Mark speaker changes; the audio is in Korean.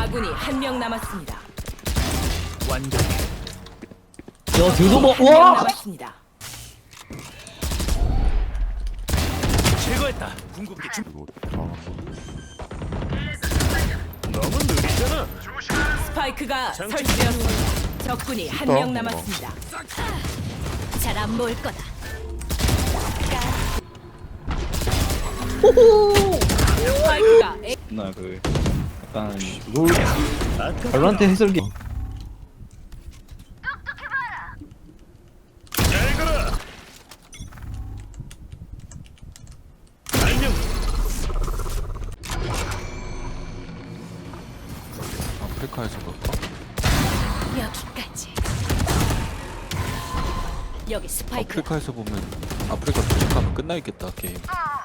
Speaker 1: 아군이 한 명 남았습니다.
Speaker 2: 완전
Speaker 3: 야 뒤도 뭐
Speaker 1: 한 명
Speaker 3: 와!
Speaker 1: 남았습니다.
Speaker 2: 제거했다. 궁극기 준.
Speaker 4: 이거 잘한다.
Speaker 2: 너무 느리잖아.
Speaker 1: 스파이크가
Speaker 2: 장치
Speaker 1: 설치되었습니다. 적군이 한 명
Speaker 4: 뭔가.
Speaker 1: 남았습니다.
Speaker 5: 잘 안 모을 거다.
Speaker 1: 스파이크가 A
Speaker 3: 나 그 약간 롤 발로란트 해설기
Speaker 2: 잘 가라. 안녕.
Speaker 4: 아프리카에서 볼까?
Speaker 5: 여기까지. 여기 스파이크.
Speaker 4: 아프리카에서 보면 아프리카 도착하면 끝나 있겠다 게임.